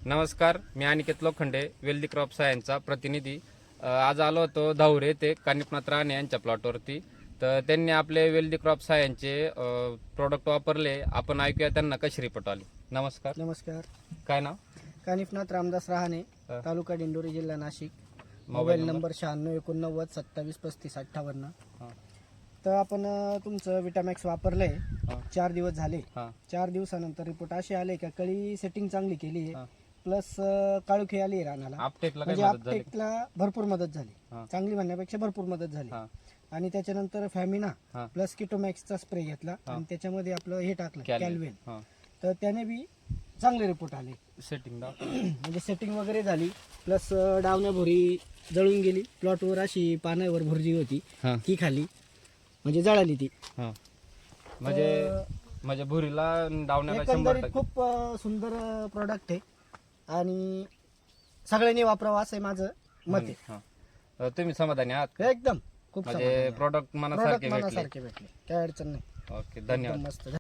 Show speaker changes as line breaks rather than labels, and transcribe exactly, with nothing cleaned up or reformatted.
नमस्कार, मी Aniket Lokhande, healthy crop सायन्सचा प्रतिनिधी. अ, आज आलो होतो धावरे ते कानिफनाथ राणे यांच्या प्लॉटवरती. तर त्यांनी आपले वेल्दी क्रॉप सायन्सचे प्रोडक्ट वापरले. आपण ऐकूया त्यांना कशी रिपोर्ट आली. नमस्कार.
नमस्कार.
काय नाव?
कानिफनाथ रामदास रहाणे,
हा.
तालुका दिंडोरी, जिल्हा Nashik.
Mobile
mobile
number?
Number शहाण्णव एकोणनव्वद सत्तावीस पस्तीस अठ्ठावन्न.
हा.
तर आपण अ, तुमचं विटामॅक्स वापरलंय.
हा.
चार दिवस झाले.
हा.
चार दिवसानंतर रिपोर्ट असे आले का कळी सेटिंग चांगली केली
हा.
आहे, प्लस काळुखी आली आहे रानाला.
आपटेकला काय
म्हणजे
मदत झाली?
आपटेकला भरपूर मदत झाली.
हा.
चांगली म्हणण्यापेक्षा भरपूर मदत झाली.
हा.
आणि त्याच्यानंतर फॅमिना
हा.
प्लस किटोमॅक्सचा स्प्रे घेतला
हा.
आणि त्याच्यामध्ये आपलं हे टाकलं
कॅल्विन.
कॅल्वेन.
हा.
तर त्याने बी चांगले रिपोर्ट आले.
सेटिंग दाव.
म्हणजे सेटिंग वगैरे झाली, प्लस डावण्या भुरी जळून गेली. प्लॉटवर अशी पानावर भुर्जी होती,
हा.
ती खाली म्हणजे जळाली ती.
हा. म्हणजे म्हणजे भुरीला डावण्याला शंभर
एकंदरीत
टक्के.
खूप अ, सुंदर प्रोडक्ट आहे आणि सगळ्यांनी वापरावं असं आहे माझं मत आहे.
हा. अ, तुम्ही समाधानी आहात?
एकदम खूप
म्हणजे प्रोडक्ट मनासारखे
प्रोडक्ट
भेटले.
मनासारखे भेटले, काय अडचण नाही.
ओके, धन्यवाद.
एकदम मस्त.